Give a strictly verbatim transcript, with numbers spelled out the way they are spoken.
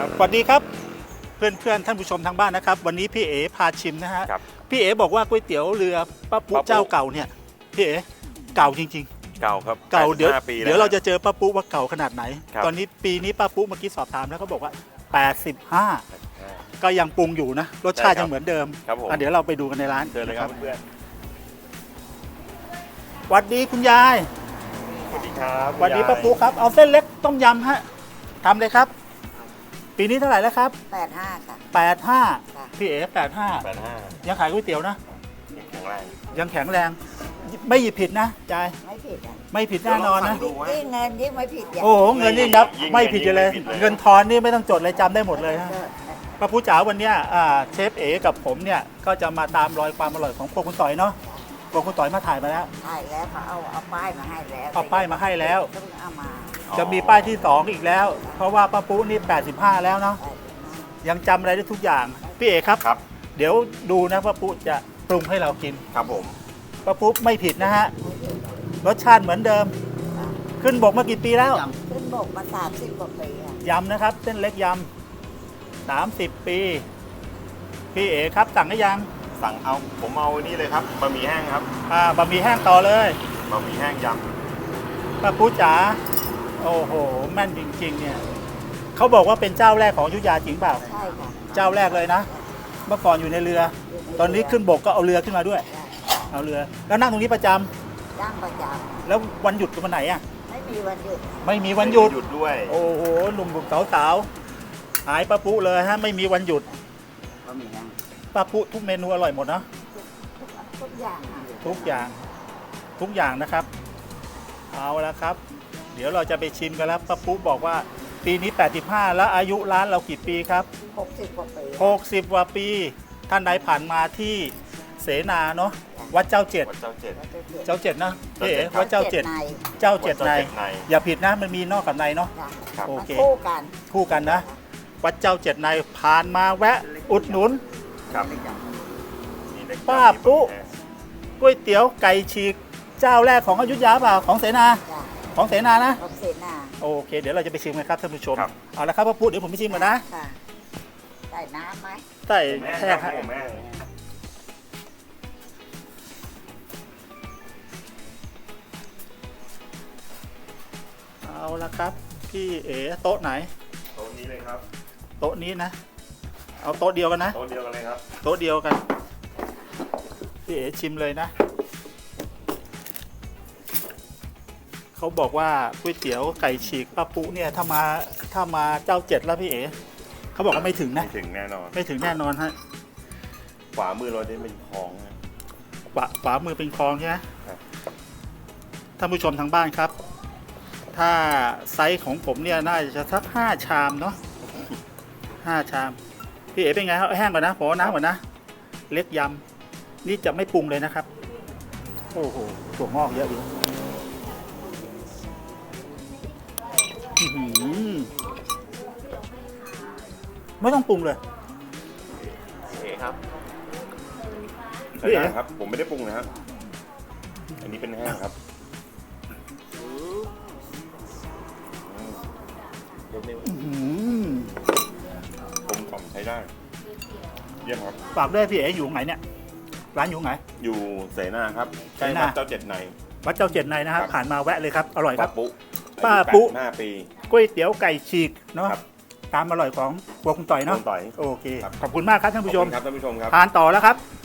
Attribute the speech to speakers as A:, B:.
A: ครับสวัสดีครับเพื่อนเพื่อนท่านผู้ชมทางบ้านนะครับวันนี้พี่เอ๋พาชิมนะฮะพี่เอ๋บอกว่าก๋วยเตี๋ยวเรือป้าปุ๊เจ้าเก่าเนี่ยพี่เอ๋เก่าจริงๆ
B: เก่าครับ
A: เก่าเดี๋ยวเดี๋ยวเราจะเจอป้าปุ๊ว่าเก่าขนาดไหนตอนนี้ปีนี้ป้าปุ๊เมื่อกี้สอบถามแล้วเขาบอกว่าแปดสิบห้าก็ยังปรุงอยู่นะรสชาติยังเหมือนเดิมเดี๋ยวเราไปดูกันในร้าน
B: เดินเลยครับเพื่อน
A: สวัสดีคุณยาย
B: สวัสดีครับ
A: สวัสดีป้าปุ๊ครับเอาเส้นเล็กต้มยำฮะทำเลยครับปีนี้เท่าไหร่แล้วครับ
C: แปดห้าค่ะ
A: แปดห้าพี่เอ๋แปดห้า
B: แปดห้า
A: ยังขายก๋วยเตี๋ยวนะ
B: ยังแข็งแรง
A: ยังแข็งแรงไม่หยิบผิดนะจาย
C: ไม่ผิดอ่ะ
A: ไม่ผิดแน่นอนนะ
C: ยิ่งเงินยิ่งไม่ผิด
A: โอ้โหเงินยิ่งนับไม่ผิดเลย เงินทอนนี่ไม่ต้องจดเลยจำได้หมดเลยฮะป้าผู้จ๋าวันนี้เชฟเอ๋กับผมเนี่ยก็จะมาตามรอยความอร่อยของพวกคุณต่อยเนาะพวกคุณต่อยมาถ่ายมาแล้ว
C: ถ่ายแล้วเขาเอาเอาป้ายมาให้แล้ว
A: เอาป้ายมาให้แล้ว
C: ต้องเอามา
A: จะมีป้ายที่สองอีกแล้วเพราะว่าป้าปุ๊นี่แปดสิบห้าแล้วเนาะยังจำอะไรได้ทุกอย่างพี่เอ๋ครับ
B: ครับ
A: เดี๋ยวดูนะป้าปุ๊จะปรุงให้เรากิน
B: ครับผม
A: ป้าปุ๊ไม่ผิดนะฮะรสชาติเหมือนเดิมขึ้นบกมากี่ปีแล้ว
C: ขึ้นบกมาสามสิบกว่าปี
A: ยำนะครับเส้นเล็กยำสามสิบปีพี่เอ๋ครับสั่งได้ยัง
B: สั่งเอาผมเอานี่เลยครับบะหมี่แห้งครับ
A: อ่าบะหมี่แห้งต่อเลย
B: บะหมี่แห้งย
A: ำป้าปุ๊จ๋าโอ้โหแม่นจริงๆเนี่ยเขาบอกว่าเป็นเจ้าแรกของอยุธยาจริงเปล่า
C: ใช่ค่ะ
A: เจ้าแรกเลยนะเมื่อก่อนอยู่ในเรือตอนนี้ขึ้นบกก็เอาเรือขึ้นมาด้วยเอาเรือแล้วนั่งตรงนี้ประจ
C: ำนั่งประจ
A: ำแล้ววันหยุดวันไหนอ่ะ
C: ไม่มีวันหยุด
A: ไม่มีวันหยุด
B: หยุดด้วย
A: โอ้โหหนุ่มๆสาวๆหายป้าปุ๊เลยฮะไม่มีวันหยุดป้าปุ๊ทุกเมนูอร่อยหมดนะ
C: ทุกอย่าง
A: ทุกอย่างทุกอย่างนะครับเอาละครับเดี๋ยวเราจะไปชิมกันแล้วป้าปุ๊บอกว่าปีนี้แปดสิบห้าแล้วอายุร้านเรากี่ปีครับ
C: หกสิบกว่าปี
A: หกสิบกว่าปีท่านใดผ่านมาที่เสนาเนาะวัดเจ้าเจ็ด
B: วัดเจ้าเจ็ด
A: เจ้าเจ็ดนะพี่เอ๋วัดเจ้าเจ็ดเจ้าเจ็ดในอย่าผิดนะมันมีนอกกับในเนาะ
C: โอเคคู่กัน
A: คู่กันนะวัดเจ้าเจ็ดในผ่านมาแวะอุดหนุนป้าปุ๊ก๋วยเตี๋ยวไก่ฉีกเจ้าแรกของอยุธยาเปล่าของเสนาของเสนานะ
C: ของเสนา
A: โอเคเดี๋ยวเราจะไปชิมกันครับท่านผู้ชมเอาละครับป้าปุ๊เดี๋ยวผมไปชิมก่อนนะ
C: ใส่น้ำไหม
A: ใส่แช่ครับเอาละครับพี่เอ๋โต๊ะไหน
B: โต๊ะนี้เลยครับ
A: โต๊ะนี้นะเอาโต๊ะเดียวกันนะ
B: โต๊ะเดียวกันเลยครับ
A: โต๊ะเดียวกันพี่เอ๋ชิมเลยนะเขาบอกว่าก๋วยเตี๋ยวไก่ฉีกป้าปุ๊เนี่ยถ้ามาถ้ามาเจ้าเจ็ดแล้วพี่เอ๋เขาบอกว่าไม่ถึงนะ
B: ไม่ถึงแน่นอน
A: ไม่ถึงแน่นอนฮะ
B: ขวามือเราได้เป็นคลอง
A: ขวาขวามือเป็นคลองใช่ไหมท่านผู้ชมทางบ้านครับถ้าไซส์ของผมเนี่ยน่าจะสักห้าชามเนาะห้าชามพี่เอ๋เป็นไงครับแห้งก่อนนะขอน้ำก่อนนะเล็กยำนี่จะไม่ปรุงเลยนะครับโอ้โหถั่วงอกเยอะดีไม่ต้องปรุงเลย
B: เอ๋ครับพี่เอ๋ครับผมไม่ได้ปรุงนะครับอันนี้เป็นแห้งครับผมกล่อมใช้ได้เยี่ยมครับ
A: ฝากด้วยพี่เอ๋อยู่ไหนเนี่ยร้านอยู่ไหน
B: อยู่เสนาครับใกล้วัดเจ้าเจ็ดใน
A: วัดเจ้าเจ็ดในนะครับผ่านมาแวะเลยครับอร่อยครับ
B: ป้าปุ๊
A: ป้าปุ๊
B: ห้าปี
A: ก๋วยเตี๋ยวไก่ฉีกเนาะตามอร่อยของพวกคุณต่อยเนาะ
B: โอเค
A: ขอบคุณมากครับท่านผู้ชม
B: ครับท่านผู้ชมครับ
A: ทานต่อแล้วครับ